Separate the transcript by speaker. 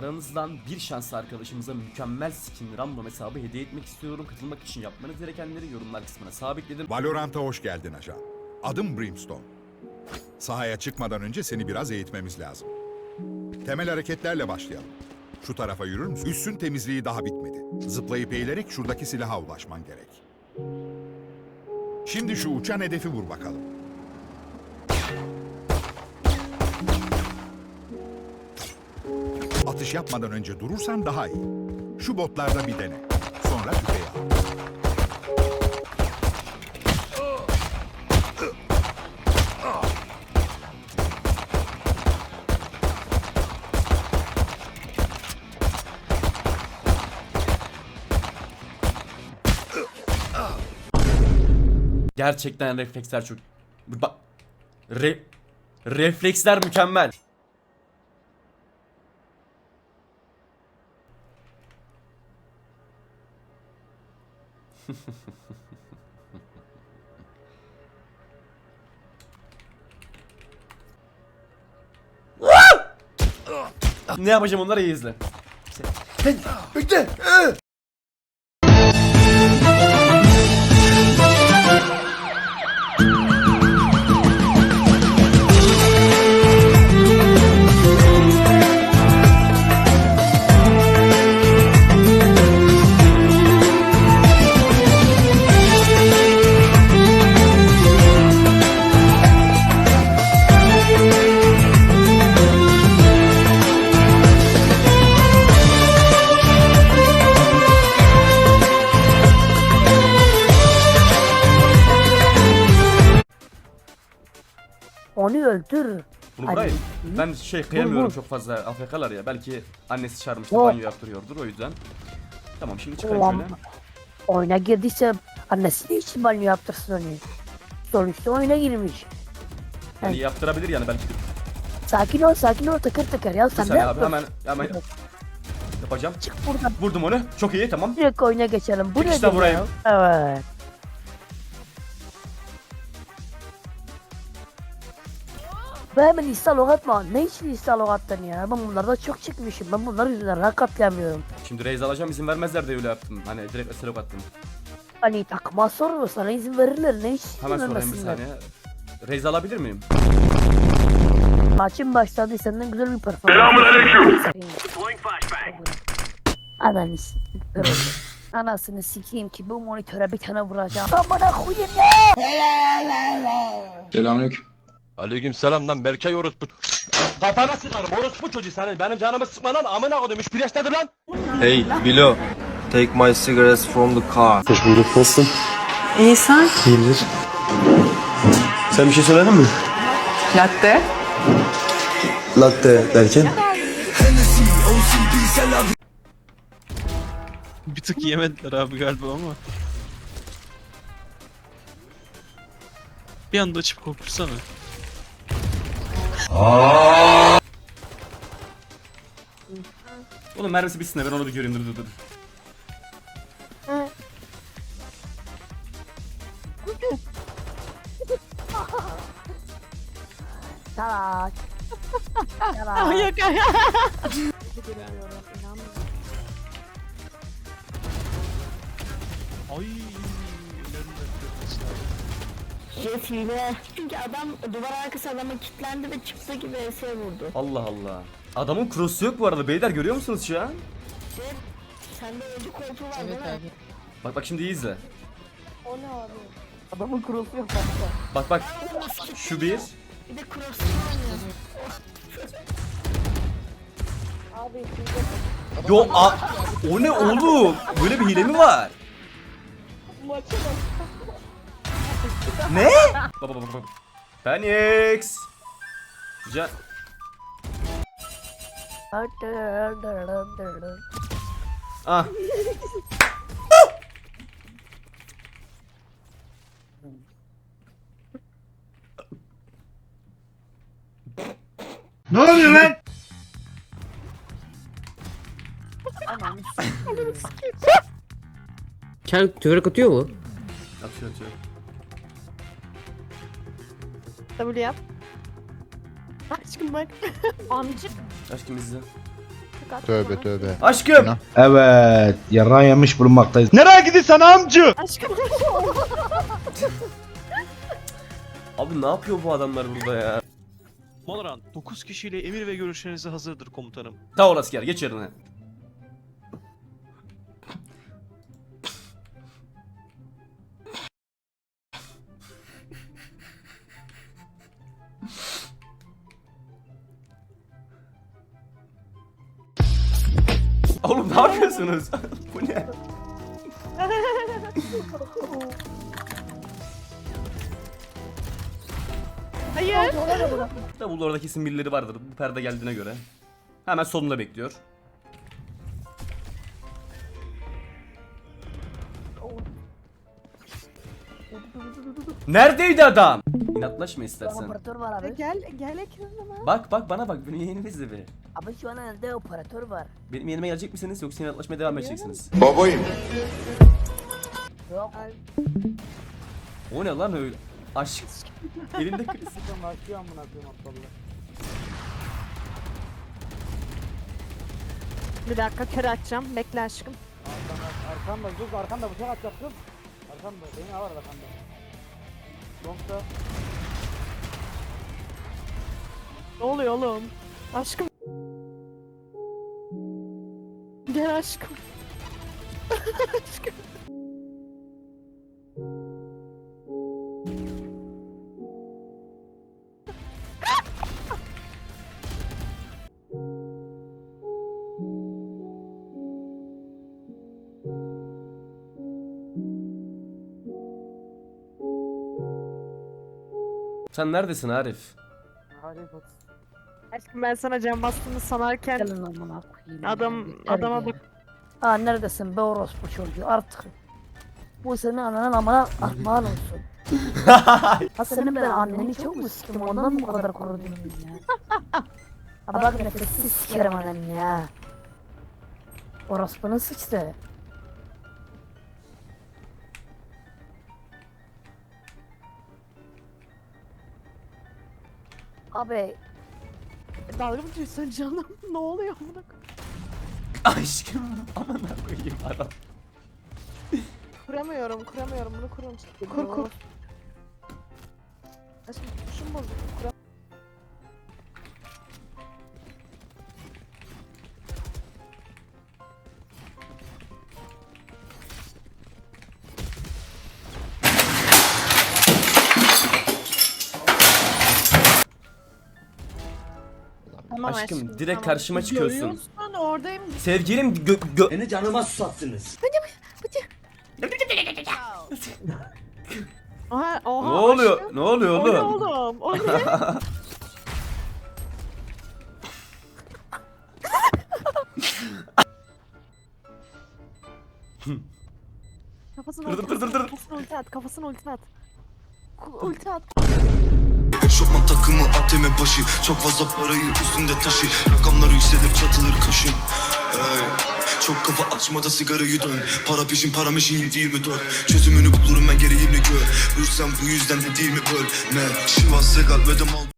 Speaker 1: aranızdan bir şanslı arkadaşımıza mükemmel skin random hesabı hediye etmek istiyorum. Katılmak için yapmanız gerekenleri yorumlar kısmına sabitledim.
Speaker 2: Valorant'a hoş geldin ajan. Adım Brimstone. Sahaya çıkmadan önce seni biraz eğitmemiz lazım. Temel hareketlerle başlayalım. Şu tarafa yürür müsün? Üssün temizliği daha bitmedi. Zıplayıp eğilerek şuradaki silaha ulaşman gerek. Şimdi şu uçan hedefi vur bakalım. Atış yapmadan önce durursan daha iyi. Şu botlarda bir dene. Sonra tüfeği al.
Speaker 1: Gerçekten refleksler çok... Bak... Refleksler mükemmel. Ne yapacağım onları iyi izle. Bekle.
Speaker 3: Onu öldür.
Speaker 1: Bunu
Speaker 3: Hadi.
Speaker 1: bırakayım. Ben kıyamıyorum
Speaker 3: vur.
Speaker 1: çok fazla AFK'lar ya. Belki annesi çağırmıştır,
Speaker 3: Yok.
Speaker 1: banyo yaptırıyordur o yüzden. Tamam şimdi çıkayım
Speaker 3: Ulan,
Speaker 1: şöyle.
Speaker 3: oyuna girdiyse annesi ne için banyo yaptırsın onu? Sonuçta oyuna girmiş.
Speaker 1: Yani yaptırabilir yani belki.
Speaker 3: Sakin ol tıkır tıkır ya
Speaker 1: Bir
Speaker 3: sen ne
Speaker 1: saniye abi
Speaker 3: yapıyorsun?
Speaker 1: hemen yapacağım.
Speaker 3: Çık buradan.
Speaker 1: Vurdum onu. Çok iyi tamam.
Speaker 3: Direkt oyuna geçelim. Bu
Speaker 1: Çıkışta
Speaker 3: nedir
Speaker 1: vurayım.
Speaker 3: ya? Evet. Ve hemen install atma. Ne için install attın ya? Ben bunlarda çok çıkmışım. Ben bunlar yüzünden rank atlayamıyorum.
Speaker 1: Şimdi raise alacağım izin vermezler de öyle yaptım. Hani direkt eselok attım.
Speaker 3: Hani takma sorunu sana izin verirler. Ne için
Speaker 1: Hemen sorayım bir
Speaker 3: vermesinler?
Speaker 1: saniye. Raise alabilir miyim?
Speaker 3: Maçın başladı senden güzel bir performans. Selamünaleyküm. Ananı sikeyim. Anasını sikeyim ki bu monitöre bir tane vuracağım. Amına koyayım ne?
Speaker 4: Selamünaleyküm.
Speaker 5: Aleykümselam lan Berkay orospu. Kafana sıkarım orospu çocuğu senin. Benim canımı sıkma lan amına koydum. İş bileştedir lan.
Speaker 6: Hey, Bilo, take my cigarettes from the car.
Speaker 7: Hoş bulduk. Nasılsın?
Speaker 8: İyi sen?
Speaker 7: İyidir. Sen bir şey söyledin mi?
Speaker 8: Latte.
Speaker 7: Latte derken?
Speaker 9: Bir tık yemediler abi galiba ama. Bir anda açıp korkursana.
Speaker 1: Oğlum mermisi bitsin de ben onu bir göreyim dur.
Speaker 3: Salak.
Speaker 8: Ah
Speaker 3: Salak.
Speaker 8: yok ay.
Speaker 9: Ay.
Speaker 10: Jet hile. Çünkü adam duvar arkası adama kilitlendi ve çıktı gibi ES'e vurdu.
Speaker 1: Allah Allah. Adamın cross'u yok bu arada beyler görüyor musunuz şu an?
Speaker 10: Jet sende öncü koltuğu var değil mi?
Speaker 1: Bak şimdi iyi izle.
Speaker 10: O ne abi?
Speaker 3: Adamın kurusu yok bak.
Speaker 1: Bak şu bir.
Speaker 10: Bir de cross'u oynuyor.
Speaker 3: Abi
Speaker 1: Yo o ne oğlum? Böyle bir hile mi var? Ne? Bak. Phoenix. Güzel. Ah.
Speaker 7: Ne oluyor lan?
Speaker 11: Kel tüverek atıyor mu?
Speaker 1: Atıyor.
Speaker 8: W yap. Aşkım bak.
Speaker 10: Amcık
Speaker 1: Aşkım izle.
Speaker 10: Dikkat.
Speaker 4: Tövbe tövbe.
Speaker 1: Aşkım.
Speaker 7: Evet, yarrağı yemiş bulunmaktayız. Nereye gidiyorsun amca?
Speaker 10: Aşkım.
Speaker 1: Abi ne yapıyor bu adamlar burada ya?
Speaker 9: Valorant 9 kişiyle emir ve görüşlerinize hazırdır komutanım.
Speaker 1: Tamam asker geç yerine. Oğlum ne yapıyorsunuz? Bu ne?
Speaker 10: Hayır.
Speaker 1: Davulda orada kesin birileri vardır bu perde geldiğine göre. Hemen sonunda bekliyor. Neredeydi adam? İnatlaşma istersen.
Speaker 3: Operatör var abi.
Speaker 10: Gel ekranıma.
Speaker 1: Bak bana bak benim yeğenimi izle bir.
Speaker 3: Abi şu an elde operatör var.
Speaker 1: Benim yeğenime gelecek misiniz yoksa inatlaşmaya devam edeceksiniz?
Speaker 2: Babayım.
Speaker 3: Yok.
Speaker 1: O ne lan öyle? Aşk. Elinde kriz.
Speaker 10: Bir dakika kör açacağım. Bekle aşkım. Ne oluyor oğlum? Aşkım. Gel aşkım. Aşkım.
Speaker 1: Sen neredesin Arif?
Speaker 10: Aşkım ben sana cam bastığını sanarken
Speaker 3: Gelin amına koyayım.
Speaker 10: adama bak.
Speaker 3: Ha neredesin be orospu çocuğu artık. Bu senin ananın amına armağan olsun. Ha senin ben anneni çok mu sikim ondan mı bu kadar korudun ya? Ha bak nefessiz sikerim anneni ya. Orospunun sıçtı. Abi
Speaker 10: Dalga mı geçiyorsun canım? Ne oluyor buna?
Speaker 1: Aşkım aman koyayım adam.
Speaker 10: Kuramıyorum bunu kurun. Kur. Aşkım tuşum bozuldu. Tamam
Speaker 1: Aşkım direkt karşıma çıkıyorsun.
Speaker 10: Görüyorsun oradayım.
Speaker 1: Sevgilim
Speaker 7: Beni canıma susattınız.
Speaker 10: Oha,
Speaker 1: Ne
Speaker 10: oha
Speaker 1: oluyor?
Speaker 10: aşkım.
Speaker 1: Ne oluyor
Speaker 10: O ne
Speaker 1: oğlum?
Speaker 10: oğlum? O ne? Kafasını
Speaker 1: Dur, dur, dur, dur.
Speaker 10: Kafasını ulti at. Ulti at.
Speaker 6: Eşofman takımı ATM başı. Çok fazla parayı üstünde taşı. Rakamlar yükselir çatılır kaşın. Çok kafa açmada sigarayı dön. Para peşin para meşin değil mi dört. Çözümünü bulurum ben gereğini gör. Hırsam bu yüzden de değil mi böl. Ne? Şivas Segal ve de mal.